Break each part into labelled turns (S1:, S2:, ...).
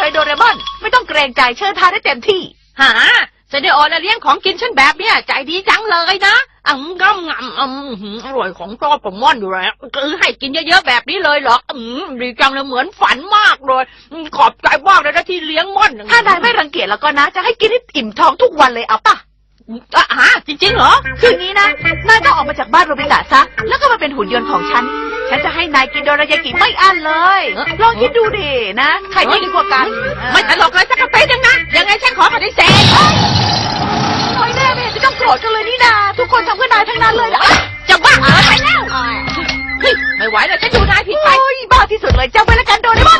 S1: เลยโดเรมอนไม่ต้องเกรงใจเชิญทานได้เต็มที่
S2: หาเซเนโอนะเลี้ยงของกินฉันแบบเนี้ยใจดีจังเลยนะก็อร่อยของชอบผมม่อนอยู่แล้วคือให้กินเยอะๆแบบนี้เลยเหรอดีจังเลยเหมือนฝันมากเลยขอบใจมากเลยนะที่เลี้ยงม่อน
S1: ถ้านายไม่รังเกียจแล้วก็นะจะให้กินให้อิ่มท้องทุกวันเลยเอาป่ะ
S2: จริงๆเหรอ
S1: คืองี้นะนายต้องออกมาจากบ้านโรบิตะซะแล้วก็มาเป็นหุ่นยนต์ของฉันจะให้นายกินโดรายากิไม่อั้นเลยลองคิดดูดินะใครดีกว่ากัน
S2: ไม่ตลกเลยสักกระเป๊ะนะยังไงฉันขอปฏิเสธ
S1: น้อยแน่ไม่เห็นจะต้องโกรธกันเลยนี่นาทุกคนทำเพื่อนายทั้งนั้นเลยนะ
S2: จะบ้าไปแล้วไม่ไหวแล้วฉันดูนายผิดไป
S1: บ้าที่สุดเลยจำไว้แล้วกันโดเรมอน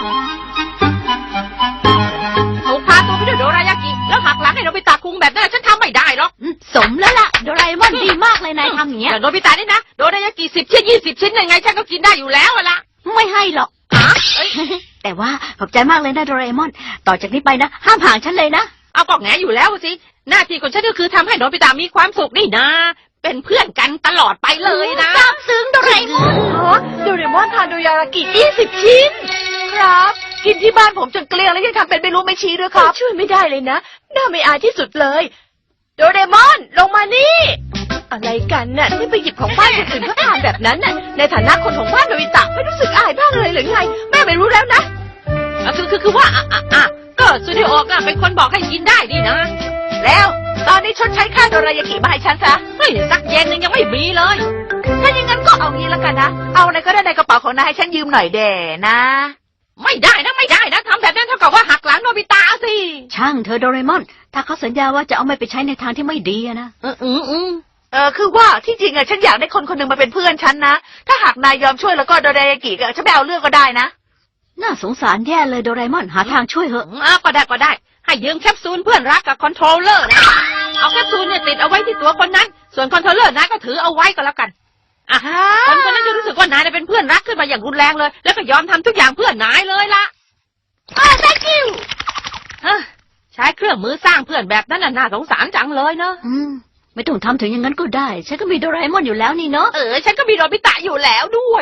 S2: ถูกพาตัวไปด้วยโดรายากิแล้วหักหลังให้โนบิตะคุงแบบนั้นฉันทำไม่ได้หรอก
S3: สมแล้วล่ะโดราเอมอนดีมากเลยนายทำอย่างเงี้ย
S2: โนบิตะนี่นะโดรายากิ10 ชิ้น 20 ชิ้นยังไงฉันก็กินได้อยู่แล้วล่ะ
S3: ไม่ให้หรอกแต่ว่าขอบใจมากเลยนะโดราเอมอนต่อจากนี้ไปนะห้ามห่างฉันเลยนะ
S2: เอาก็แงอยู่แล้วสิหน้าที่ของฉันก็คือทำให้โนบิตะมีความสุขนี่นะเป็นเพื่อนกันตลอดไปเลยนะ
S3: ซาบซึ้งโดราเอมอน
S1: โดเรมอนทานโดรายากิ20 ชิ้นครับกินที่บ้านผมจนเกลี้ยงแล้วยังทำเป็นไม่รู้ไม่ชี้ด้วยครับช่วยไม่ได้เลยนะน่าไม่อายที่สุดเลยโดเรมอนลงมานี่อะไรกันน่ะที่ไปหยิบของบ้านคนอื่นเขาทานแบบนั้นน่ะในฐานะคนของบ้านโนบิตะไม่รู้สึกอายบ้างเลยหรือไงแม่ไม่รู้แล้วนะ
S2: คือว่าก็ซูนิโอะเป็นคนบอกให้กินได้นี่นะ
S1: แล้วตอนนี้ชดใช้ค่าโดรายากิมาให้ฉันซะ
S2: สักเย็นนึงยังไม่มีเลย
S1: ถ้าอย่างนั้นก็เอางี้แล้วกันนะเอาอะไรก็ได้ในกระเป๋าของนายให้ฉันยืมหน่อยเด่นะ
S2: ไม่ได้นะทำแบบนั้นเท่ากับว่าหักหลังโนบิตะสิ
S3: ช่างเธอโดเรมอนถ้าเขาสัญญาว่าจะเอาไม่ไปใช้ในทางที่ไม่ดีนะ
S1: คือว่าที่จริงฉันอยากได้คนคนหนึ่งมาเป็นเพื่อนฉันนะถ้าหากนายยอมช่วยแล้วก็โดรายากิฉันไม่เอาเรื่องก็ได้นะ
S3: น่าสงสารแย่เลยโดเรมอนหาทางช่วยเหอะ
S2: ก็ได้ให้ยืมแคปซูลเพื่อนรักกับคอนโทรลเลอร์นะเอาแคปซูลเนี่ยติดเอาไว้ที่ตัวคนนั้นส่วนคอนโทรลเลอร์นายก็ถือเอาไว้ก็แล้วกันคนนั้นจะรู้สึกว่านายเป็นเพื่อนรักขึ้นมาอย่างรุนแรงเลยแล้วก็ยอมทำทุกอย่างเพื่อนนายเลยล่ะ
S1: thank you
S2: ใช้เครื่องมือสร้างเพื่อนแบบนั้นน่าสงสารจังเลยเนาะ
S3: ไม่ต้องทำถึงอย่างนั้นก็ได้ฉันก็มีโดราเอมอนอยู่แล้วนี่เนาะ
S2: ฉันก็มีโนบิตะอยู่แล้วด้วย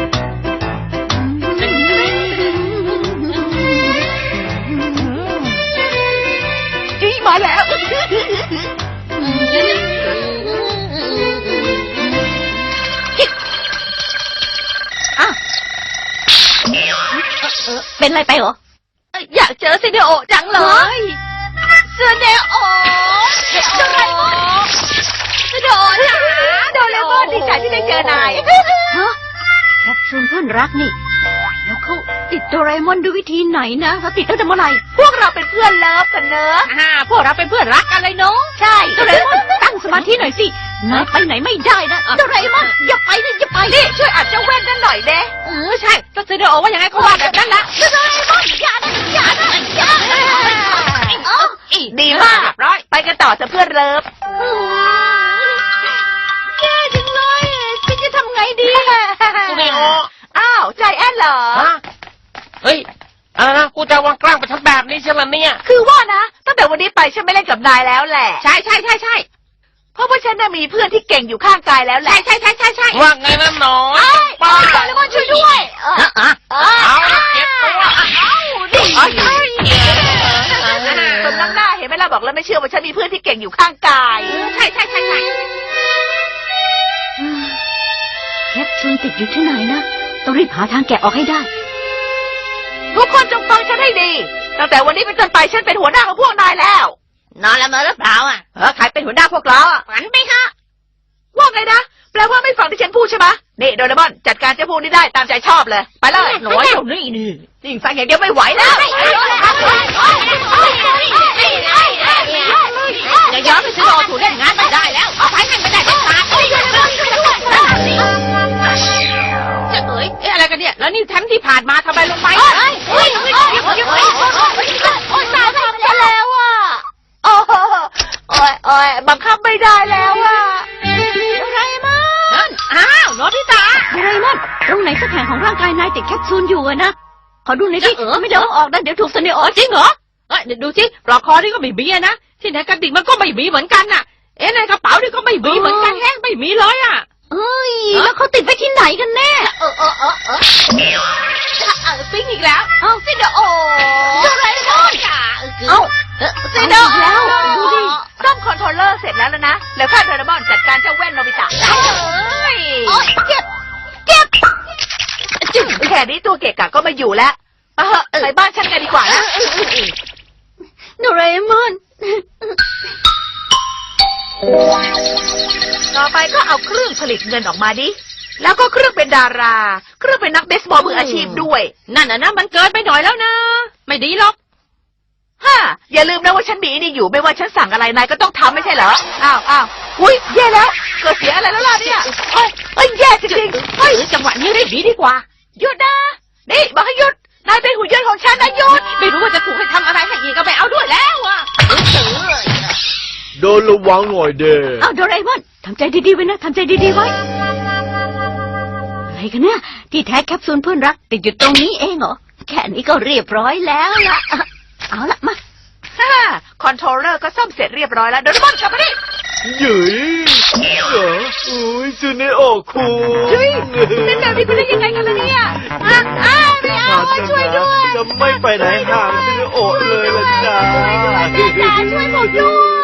S1: มาแล้ว
S3: เป็นอะไรไปเหรอ
S1: อยากเจอเซเนโอจังเลยเซเนโอโดเรมอนโดเรมอนดีใจที่ได้เจอนาย
S3: แคปซูลเพื่อนรักนี่แล้วเขาติดโดราเอมอนด้วยวิธีไหนนะเขาติดตั้งแต่เมื่อไหร่
S1: พวกเราเป็นเพื่อนเลิฟกันเนอะ
S2: พวกเราเป็นเพื่อนรักกันเลยเนาะ
S3: ใช่โดราเอมอนตั้งสมาธิหน่อยสินายไปไหนไม่ได้นะโดราเอมอนอย่าไปนี่
S1: ช่วยอัดเจ้าแว่นนั่นหน่อยเด้
S2: ใช่ก็เซเนโอว่ายังไงก็ว่าแบบนั้นละ
S1: โดราเอมอนอย่าดีมากร้อยไปกันต่อเถอะเพื่อนเลิฟแย่จังเลยฉันจะทำไงดี
S2: ซูเนโอ
S1: ใจแอนเหรอ
S2: เฮ้ยอะไรนะกูจะวางกล้างไปทำแบบนี้ใช่ไหมเนี่ย
S1: คือว่านะตั้งแต่วันนี้ไปฉันไม่เล่นกับนายแล้วแหละ
S2: ใช่
S1: เพราะว่าฉันน่ะมีเพื่อนที่เก่งอยู่ข้างกายแล้วแหละ
S2: ใช่ว่าไงนะหนอน
S1: ป้าแล้วก็ช่วยด้วย
S2: เอาเก็บตัว
S1: ดีสมน้ำหน้าเห็นไหมล่ะบอกแล้วไม่เชื่อว่าฉันมีเพื่อนที่เก่งอยู่ข้างกาย
S2: ใช่
S3: แคปซูลติดอยู่ที่ไหนนะต้องรีบหาทางแกะออกให้ได้
S1: ทุกคนจงฟังฉันให้ดีตั้งแต่วันนี้เป็นต้นไปฉันเป็นหัวหน้าของพวกนายแล้ว
S2: นอนละเมอหรือเปล่า
S1: ใครเป็นหัวหน้าพวกเรา
S2: ฝันไปค่ะ
S1: ว่าไงนะแปลว่าไม่ฟังที่ฉันพูดใช่ไหมนี่โดเรมอนจัดการเจ้าพวกนี้ได้ตามใจชอบเลยไปเลย
S2: หน่อยเดี๋ยวนี้
S1: นี่ฟังอย่างเดียวไม่ไหวแล้ว
S2: อย่าย้อนไปซื้อโอถูเล่นงานไม่ได้แล้วเอาไปให้ไม่ได้เด็ดขาดอะไรกันเนี่ยแล้วนี่แทมที่ผ่านมาทำไมลงไป
S1: ตายทำกันแล้วบังคับไม่ได้แล้ว
S3: อะไรมั้ง
S2: โนบิตะ
S3: อะไรมั้งตรงไหนสักแห่งของร่างกายนายติดแคปซูลอยู่นะขอดูหน่อยสิไม่เดี๋ยวออกนะเดี๋ยวถูกเสนอ
S2: จริงเหรอเดี๋ยวดูสิปลอกคอนี่ก็ไม่มีนะที่ไหนกระดิ่งมันก็ไม่มีเหมือนกันน่ะในกระเป๋านี่ก็ไม่มีเหมือนกันไม่มีเลย
S3: แล้วเขาติดไปที่ไหนกันแน่
S2: ซิงอีกแล้ว
S3: เอ้า
S2: ซินเดอโอ
S1: โดราเอมอน
S2: เอ้าซินเดอ
S3: เอาอีกแล้วดูดิ
S1: ซ่อมคอนโทรลเลอร์เสร็จแล้วนะแล้วข้าโดราเอมอนจัดการเจ้าแว่นโนบิตะได้เลย
S2: โอ๊ยเจ็บ
S1: แค่นี้ตัวเกะกะก็ไมาอยู่แล้วไปบ้านฉันกันดีกว่านะ
S3: โดราเอมอน
S1: ต่อไปก็เอาเครื่องผลิตเงินออกมาดิ แล้วก็เครื่องเป็นดารา เครื่องเป็นนักเบสบอลมืออาชีพด้วย
S2: นั่นน่ะนะมันเกินไปหน่อยแล้วนะ ไม่ดีหรอก
S1: ฮ่าอย่าลืมนะว่าฉันมีนี่อยู่ไม่ว่าฉันสั่งอะไรนายก็ต้องทำไม่ใช่เหรอ อ้าวอุ้ยแย่แล้วเกิดเสียอะไรแล้วล่ะเนี่ยเอ้ยแย่จริงๆเฮ้ย
S2: จังหวะนี้รีบหนีดีกว่า
S1: หยุดนะ นี่บอกให้หยุด นายเป็นหุ่นยนต์ของฉันนะหยุด
S2: ไม่รู้ว่าจะถูกให้ทำอะไรให้อีกก็ไปเอาด้วยแล้วอ่ะ
S4: เดินระวังหน่อยเด้
S3: เอาโดราเอมอนทำใจดีๆไว้นะทำใจดีๆไว้อะไรกันเนี่ยที่แท้แคปซูลเพื่อนรักติดอยู่ตรงนี้เองเหรอแค่นี้ก็เรียบร้อยแล้วล่ะเอาละมา
S1: ฮ่าคอนโทรลเลอร์ก็ซ่อมเสร็จเรียบร้อยแล้วโดเรมอนกลับมาดิ
S4: หยุยเหรออุ้ยซูเนโอคู
S1: เฮ้ยเป็นแบบนี้ไปได้ยังไงกันล่ะเนี่ยไม่เอาช่วยด้วย
S4: จะไม่ไปไหนห่างซูเนโอเลยล่ะจ้า
S1: ช่วยผมด้วย